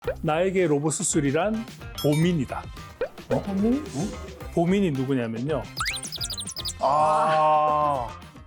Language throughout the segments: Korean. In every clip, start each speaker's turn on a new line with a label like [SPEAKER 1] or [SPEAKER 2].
[SPEAKER 1] 나에게 로봇 수술이란 보민이다.
[SPEAKER 2] 보민?
[SPEAKER 1] 보민이 누구냐면요.
[SPEAKER 3] 아.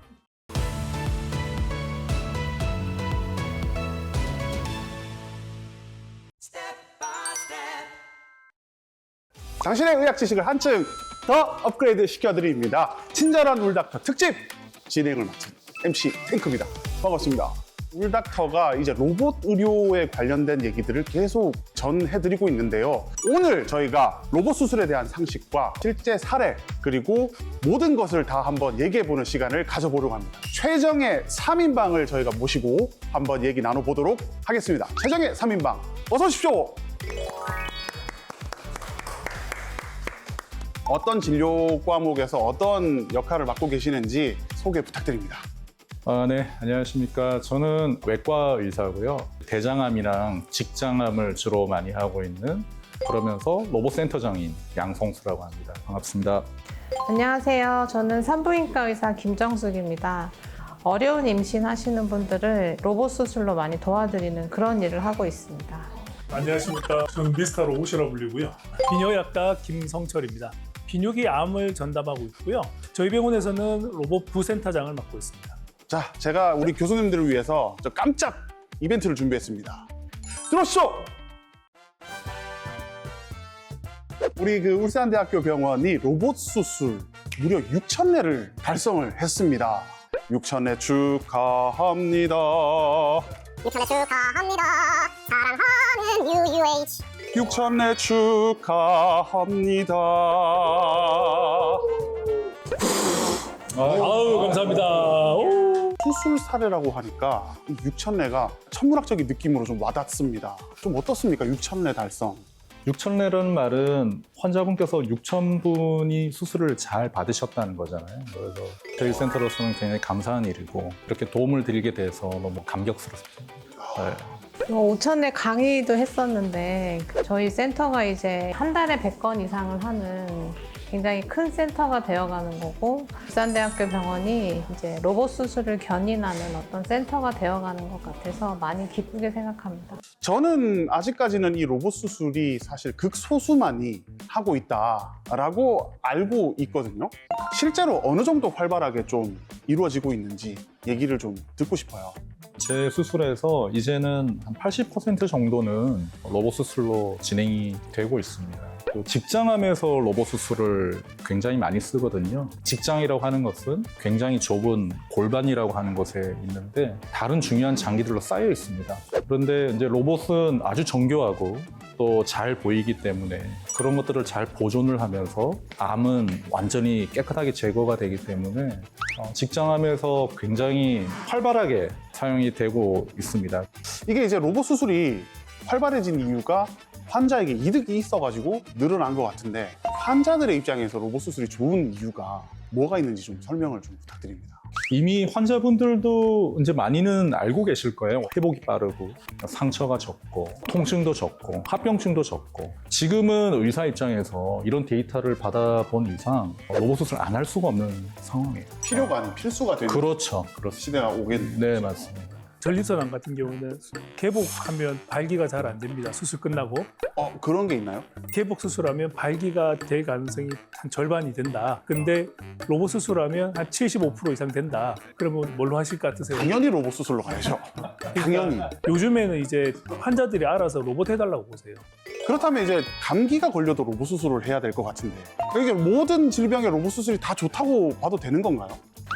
[SPEAKER 3] 당신의 의학 지식을 한층 더 업그레이드 시켜드립니다. 친절한 울닥터 특집 진행을 맡은 MC 탱크입니다. 반갑습니다. 울닥터가 이제 로봇 의료에 관련된 얘기들을 계속 전해드리고 있는데요. 오늘 저희가 로봇 수술에 대한 상식과 실제 사례 그리고 모든 것을 다 한번 얘기해보는 시간을 가져보려고 합니다. 최정의 3인방을 저희가 모시고 한번 얘기 나눠보도록 하겠습니다. 최정의 3인방 어서 오십시오. 어떤 진료 과목에서 어떤 역할을 맡고 계시는지 소개 부탁드립니다.
[SPEAKER 2] 네, 안녕하십니까. 저는 외과 의사고요. 대장암이랑 직장암을 주로 많이 하고 있는 그러면서 로봇센터장인 양성수라고 합니다. 반갑습니다.
[SPEAKER 4] 안녕하세요. 저는 산부인과 의사 김정숙입니다. 어려운 임신하시는 분들을 로봇 수술로 많이 도와드리는 그런 일을 하고 있습니다.
[SPEAKER 1] 안녕하십니까. 저는 미스터 로봇이라고 불리고요. 비뇨약과 김성철입니다. 비뇨기 암을 전담하고 있고요. 저희 병원에서는 로봇 부센터장을 맡고 있습니다.
[SPEAKER 3] 자, 제가 우리 교수님들을 위해서 저 깜짝 이벤트를 준비했습니다. 들어오시죠! 우리 울산대학교 병원이 로봇 수술 무려 6,000회를 달성을 했습니다. 6,000회 축하합니다.
[SPEAKER 5] 6,000회 축하합니다. 사랑하는 UUH.
[SPEAKER 3] 6,000회 축하합니다.
[SPEAKER 1] 아우, 감사합니다. 오.
[SPEAKER 3] 수술 사례라고 하니까 이 6,000회가 천문학적인 느낌으로 좀 와닿습니다. 좀 어떻습니까? 6,000회 달성.
[SPEAKER 2] 6,000회라는 말은 환자분께서 6,000분이 수술을 잘 받으셨다는 거잖아요. 그래서 저희 센터로서는 굉장히 감사한 일이고 이렇게 도움을 드리게 돼서 너무 감격스럽습니다. 네.
[SPEAKER 4] 5,000회 강의도 했었는데 저희 센터가 이제 한 달에 100건 이상을 하는 굉장히 큰 센터가 되어가는 거고 울산대학교 병원이 이제 로봇 수술을 견인하는 어떤 센터가 되어가는 것 같아서 많이 기쁘게 생각합니다.
[SPEAKER 3] 저는 아직까지는 이 로봇 수술이 사실 극소수만이 하고 있다라고 알고 있거든요. 실제로 어느 정도 활발하게 좀 이루어지고 있는지 얘기를 좀 듣고 싶어요.
[SPEAKER 2] 제 수술에서 이제는 한 80% 정도는 로봇 수술로 진행이 되고 있습니다. 또 직장암에서 로봇 수술을 굉장히 많이 쓰거든요. 직장이라고 하는 것은 굉장히 좁은 골반이라고 하는 곳에 있는데 다른 중요한 장기들로 쌓여 있습니다. 그런데 이제 로봇은 아주 정교하고 또 잘 보이기 때문에 그런 것들을 잘 보존을 하면서 암은 완전히 깨끗하게 제거가 되기 때문에 직장암에서 굉장히 활발하게 사용이 되고 있습니다.
[SPEAKER 3] 이게 이제 로봇 수술이 활발해진 이유가 환자에게 이득이 있어가지고 늘어난 것 같은데 환자들의 입장에서 로봇 수술이 좋은 이유가 뭐가 있는지 좀 설명을 좀 부탁드립니다.
[SPEAKER 2] 이미 환자분들도 이제 많이는 알고 계실 거예요. 회복이 빠르고 상처가 적고 통증도 적고 합병증도 적고 지금은 의사 입장에서 이런 데이터를 받아본 이상 로봇 수술 안 할 수가 없는 상황이에요.
[SPEAKER 3] 필요가 아닌 필수가 되는
[SPEAKER 2] 그렇죠. 그렇습니다.
[SPEAKER 3] 시대가 오겠네요.
[SPEAKER 2] 네, 맞습니다.
[SPEAKER 1] 전립선암 같은 경우는 개복하면 발기가 잘 안 됩니다. 수술 끝나고.
[SPEAKER 3] 그런 게 있나요?
[SPEAKER 1] 개복 수술하면 발기가 될 가능성이 한 절반이 된다. 근데 로봇 수술하면 한 75% 이상 된다. 그러면 뭘로 하실 것 같으세요?
[SPEAKER 3] 당연히 로봇 수술로 가야죠. 당연히.
[SPEAKER 1] 요즘에는 이제 환자들이 알아서 로봇 해달라고 보세요.
[SPEAKER 3] 그렇다면 이제 감기가 걸려도 로봇 수술을 해야 될 것 같은데 이게 모든 질병에 로봇 수술이 다 좋다고 봐도 되는 건가요?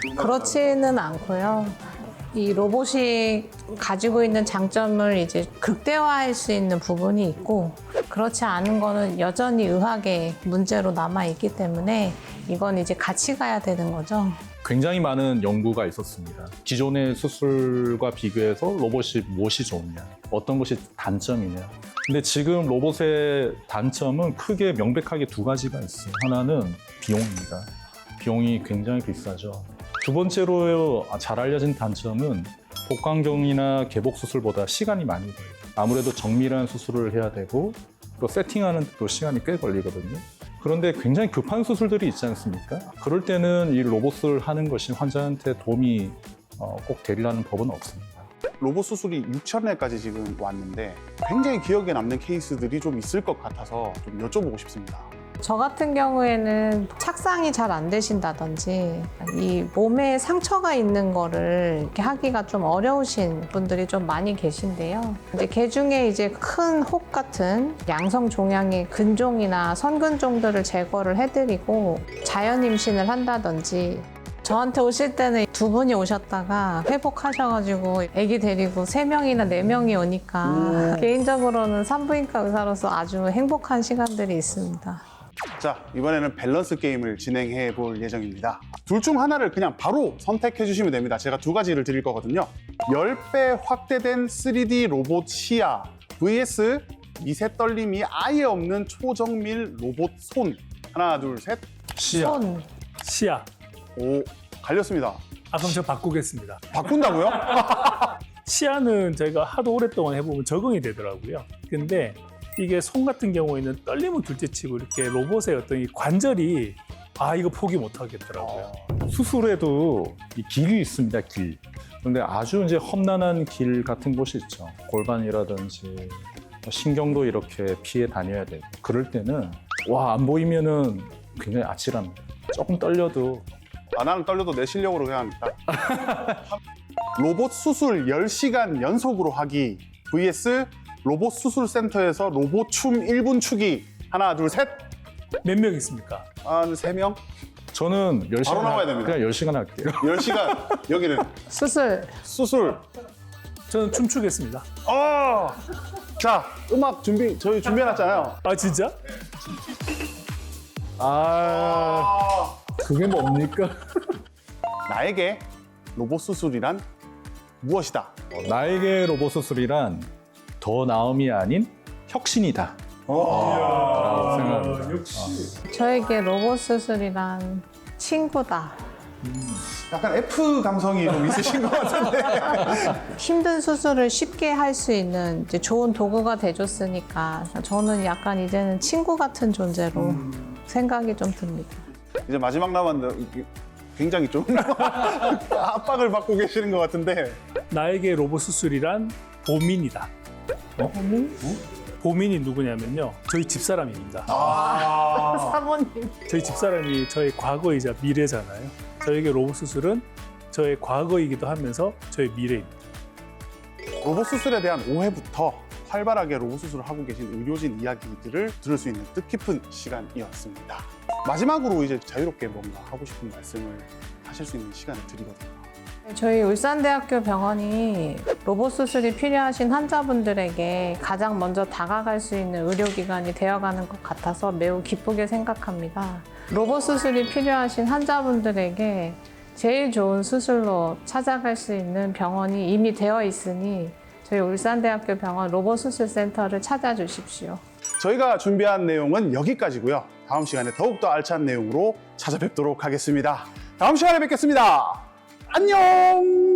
[SPEAKER 4] 그렇지는 않고요. 이 로봇이 가지고 있는 장점을 이제 극대화할 수 있는 부분이 있고 그렇지 않은 거는 여전히 의학의 문제로 남아있기 때문에 이건 이제 같이 가야 되는 거죠.
[SPEAKER 2] 굉장히 많은 연구가 있었습니다. 기존의 수술과 비교해서 로봇이 무엇이 좋냐, 어떤 것이 단점이냐. 근데 지금 로봇의 단점은 크게 명백하게 두 가지가 있어요. 하나는 비용입니다. 비용이 굉장히 비싸죠. 두 번째로 잘 알려진 단점은 복강경이나 개복 수술보다 시간이 많이 걸려요. 아무래도 정밀한 수술을 해야 되고 또 세팅하는 데도 시간이 꽤 걸리거든요. 그런데 굉장히 급한 수술들이 있지 않습니까? 그럴 때는 이 로봇을 하는 것이 환자한테 도움이 꼭 되리라는 법은 없습니다.
[SPEAKER 3] 로봇 수술이 6,000회까지 지금 왔는데 굉장히 기억에 남는 케이스들이 좀 있을 것 같아서 좀 여쭤보고 싶습니다.
[SPEAKER 4] 저 같은 경우에는 착상이 잘 안 되신다든지 이 몸에 상처가 있는 거를 이렇게 하기가 좀 어려우신 분들이 좀 많이 계신데요. 근데 개 중에 이제 큰 혹 같은 양성 종양의 근종이나 선근종들을 제거를 해드리고 자연 임신을 한다든지 저한테 오실 때는 두 분이 오셨다가 회복하셔가지고 아기 데리고 3명이나 4명이 오니까 개인적으로는 산부인과 의사로서 아주 행복한 시간들이 있습니다.
[SPEAKER 3] 자, 이번에는 밸런스 게임을 진행해 볼 예정입니다. 둘 중 하나를 그냥 바로 선택해 주시면 됩니다. 제가 2가지를 드릴 거거든요. 10배 확대된 3D 로봇 시야 vs 미세 떨림이 아예 없는 초정밀 로봇 손. 하나, 둘, 셋.
[SPEAKER 2] 시야.
[SPEAKER 4] 손.
[SPEAKER 1] 시야.
[SPEAKER 3] 오, 갈렸습니다.
[SPEAKER 1] 그럼 저 바꾸겠습니다.
[SPEAKER 3] 바꾼다고요?
[SPEAKER 1] 시야는 저희가 하도 오랫동안 해보면 적응이 되더라고요. 근데 이게 손 같은 경우에는 떨림은 둘째치고 이렇게 로봇의 어떤 이 관절이 이거 포기 못 하겠더라고요.
[SPEAKER 2] 수술에도 이 길이 있습니다, 길. 근데 아주 이제 험난한 길 같은 곳이 있죠. 골반이라든지 신경도 이렇게 피해 다녀야 되고. 그럴 때는 안 보이면은 굉장히 아찔합니다. 조금 떨려도
[SPEAKER 3] 나는 떨려도 내 실력으로 그냥 딱. 로봇 수술 10시간 연속으로 하기 vs 로봇 수술 센터에서 로봇 춤 1분 추기. 하나, 둘, 셋.
[SPEAKER 1] 몇 명 있습니까?
[SPEAKER 3] 3명?
[SPEAKER 2] 저는 10시간
[SPEAKER 3] 바로 나와야 됩니다.
[SPEAKER 2] 그냥 10시간 할게요.
[SPEAKER 3] 10시간. 여기는
[SPEAKER 4] 수술.
[SPEAKER 3] 수술.
[SPEAKER 1] 저는 춤추겠습니다.
[SPEAKER 3] 자, 음악 저희 준비해놨잖아요.
[SPEAKER 1] 진짜?
[SPEAKER 2] 그게 뭡니까?
[SPEAKER 3] 나에게 로봇 수술이란 무엇이다?
[SPEAKER 2] 나에게 로봇 수술이란 더 나음이 아닌 혁신이다. 라고 생각합니다.
[SPEAKER 1] 역시.
[SPEAKER 4] 저에게 로봇 수술이란 친구다.
[SPEAKER 3] 약간 F 감성이 좀 있으신 것 같은데.
[SPEAKER 4] 힘든 수술을 쉽게 할 수 있는 이제 좋은 도구가 돼줬으니까 저는 약간 이제는 친구 같은 존재로 생각이 좀 듭니다.
[SPEAKER 3] 이제 마지막 남았는데 굉장히 좀 압박을 받고 계시는 것 같은데.
[SPEAKER 1] 나에게 로봇 수술이란 보민이다. 보민이 누구냐면요. 저희 집사람입니다.
[SPEAKER 4] 사모님.
[SPEAKER 1] 저희 집사람이 저의 과거이자 미래잖아요. 저에게 로봇 수술은 저의 과거이기도 하면서 저의 미래입니다.
[SPEAKER 3] 로봇 수술에 대한 오해부터 활발하게 로봇 수술을 하고 계신 의료진 이야기들을 들을 수 있는 뜻깊은 시간이었습니다. 마지막으로 이제 자유롭게 뭔가 하고 싶은 말씀을 하실 수 있는 시간을 드리거든요.
[SPEAKER 4] 저희 울산대학교 병원이 로봇 수술이 필요하신 환자분들에게 가장 먼저 다가갈 수 있는 의료기관이 되어가는 것 같아서 매우 기쁘게 생각합니다. 로봇 수술이 필요하신 환자분들에게 제일 좋은 수술로 찾아갈 수 있는 병원이 이미 되어 있으니 저희 울산대학교 병원 로봇수술센터를 찾아주십시오.
[SPEAKER 3] 저희가 준비한 내용은 여기까지고요. 다음 시간에 더욱더 알찬 내용으로 찾아뵙도록 하겠습니다. 다음 시간에 뵙겠습니다. 안녕!